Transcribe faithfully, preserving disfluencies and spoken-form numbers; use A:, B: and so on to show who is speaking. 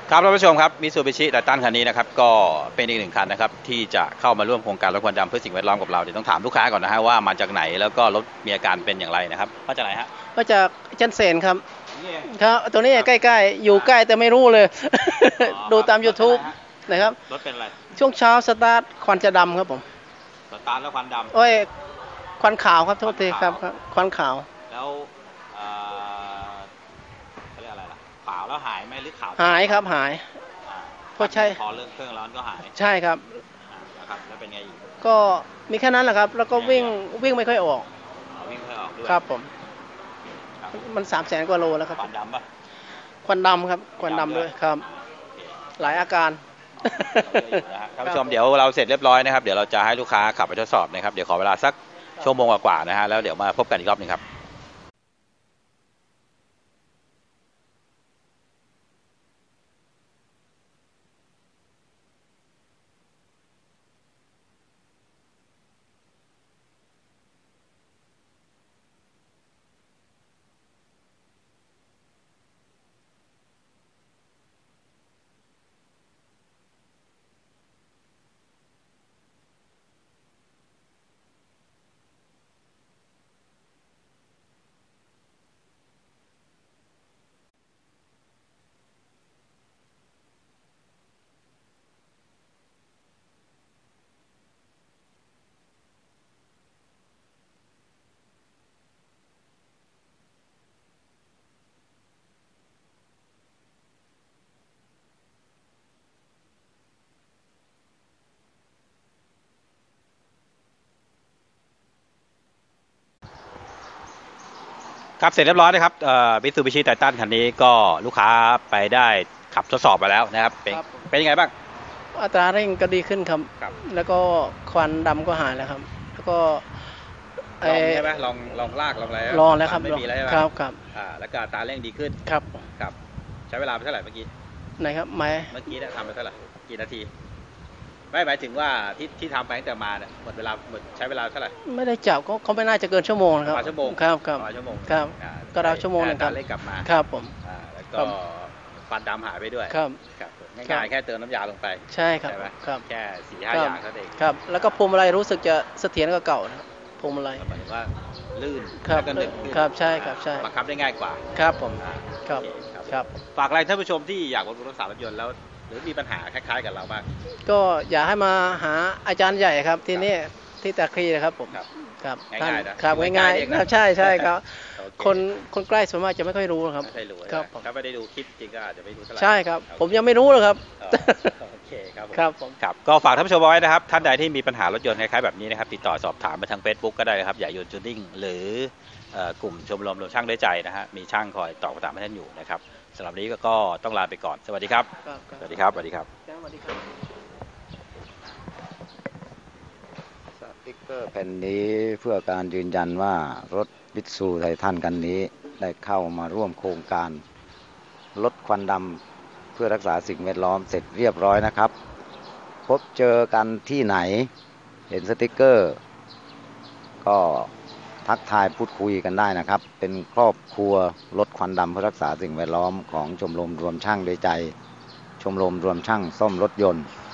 A: ครับท่านผู้ชมครับมิตซูบิชิไททันคันนี้นะครับก็เป็นอีกหนึ่งคันนะครับที่จะเข้ามาร่วมโครงการลดควันดำเพื่อสิ่งแวดล้อมกับเราเดี๋ยวต้องถามลูกค้าก่อนนะฮะว่ามาจากไหนแล้วก็รถมีอาการเป็นอย่างไรนะครับมาจากไหนฮะ
B: มาจากจันเสนครับครับตัวนี้ใกล้ๆอยู่ใกล้แต่ไม่รู้เลยดูตาม ยูทูบ นะครับ
A: รถเป็นอะไร
B: ช่วงเช้าสตาร์ทควันจะดำครับผม
A: สตาร์ทแล้วควันดำ
B: โอ้ยควันขาวครับโทษทีครับควันขาว
A: แล้วเขาเรียกอะไรล่ะขาวแล้วหายไหมหรือขาว
B: หายครับหาย
A: เพราะใช่พอเรื่องเครื่องร้อนก็หาย
B: ใช่ครับ
A: นะครับแล้วเป็นไงอีก
B: ก็มีแค่นั้นแหละครับแล้วก็วิ่งวิ่งไม่ค่อยออก
A: วิ่งไม่ออกด้วย
B: ครับผมมันสามแสนกว่าโลแล้วครับ
A: ควันดำปะ
B: ควันดำครับควันดำด้วยครับหลายอาการ
A: ท่านผู้ชมเดี๋ยวเราเสร็จเรียบร้อยนะครับเดี๋ยวเราจะให้ลูกค้าขับไปทดสอบนะครับเดี๋ยวขอเวลาสักชั่วโมงกว่าๆนะฮะแล้วเดี๋ยวมาพบกันอีกรอบนึงครับครับเสร็จเรียบร้อยนะครับมิตซูบิชิไททันคันนี้ก็ลูกค้าไปได้ขับทดสอบไปแล้วนะครับเป็นเป็นยังไงบ้าง
B: อัตราเร่งก็ดีขึ้นครับแล้วก็ควันดำก็หายแล้วครับแล้วก็
A: ลองใช่ไหมลองลองลากลองอะไร
B: ลองแล้วครับ
A: ไม่มีอะไรใช่ไหม
B: ครับครับ
A: อ่าแล้วก็อัตราเร่งดีขึ้น
B: ครับ
A: ครับใช้เวลาไปเท่าไหร่เมื่อกี้
B: ไหนครับไม่
A: เมื่อกี้เนี่ยทำไปเท่าไหร่กี่นาทีไม่หมายถึงว่าที่ที่ทำไปตั้งแต่มาเนี่ยหมดเวลาหมดใช้เวลาเท่าไหร่
B: ไม่ได้จับก็เขาไม่น่าจะเกินชั่วโมงนะครับ
A: ชั่วโมง
B: ครับครับ
A: ชั่วโมง
B: ครับก็เราชั่วโมงนึงครับ
A: เล่นกลับมา
B: ครับผม
A: แล้วก็ฟันดำหายไปด้วย
B: ครับ
A: ครับง่ายๆแค่เติมน้ำยาลงไป
B: ใช่ครับครับ
A: แค่สี่ห้าอย่างนั่นเอง
B: ครับแล้วก็พวงมาลัยรู้สึกจะเสถียรกว่าเก่านะพวงมาลัย
A: หมายถึงว่าลื่น
B: ครับครับใช่ครับใช่
A: บังคับได้ง่ายกว่า
B: ครับผมครับครับ
A: ฝากอะไรท่านผู้ชมที่อยากบำรุงรักษารถยนต์แล้วหรือมีปัญหาคล้ายๆกับเราบ้าง
B: ก็อยากให้มาหาอาจารย์ใหญ่ครับที่นี่ที่ตะครีนะครับผม
A: ครับง่ายๆ
B: นะครับง่ายๆครับใช่ใช่ครับคนคนใกล้ส่วนมากจะไม่ค่อยรู้ครับ
A: ไม่ค่อยรู้ครับถ้าไม่ได้ดูคลิปจริงก็อาจจะไม่รู้เท่าไหร่
B: ใช่ครับผมยังไม่รู้เลยครับ
A: โอเคครับ
B: ครับผม
A: ครับก็ฝากท่านผู้ชมไว้นะครับท่านใดที่มีปัญหารถยนต์คล้ายๆแบบนี้นะครับติดต่อสอบถามมาทาง Facebook ก็ได้ครับอย่าโยนจูนิ่งหรือกลุ่มชมรมรวมช่างด้วยใจนะฮะมีช่างคอยตอบคำถามให้ท่านอยู่นะครับสำหรับนี้ก็ต้องลาไปก่อนสวัสดีครับสวัสดีครับสวัสดีครับ
C: สติ๊กเกอร์แผ่นนี้เพื่อการยืนยันว่ารถมิตซูไททันคันนี้ได้เข้ามาร่วมโครงการลดควันดำเพื่อรักษาสิ่งแวดล้อมเสร็จเรียบร้อยนะครับพบเจอกันที่ไหนเห็นสติ๊กเกอร์ก็ทักทายพูดคุยกันได้นะครับเป็นครอบครัวลดควันดำเพื่อรักษาสิ่งแวดล้อมของชมรมรวมช่างด้วยใจชมรมรวมช่างซ่อมรถยนต์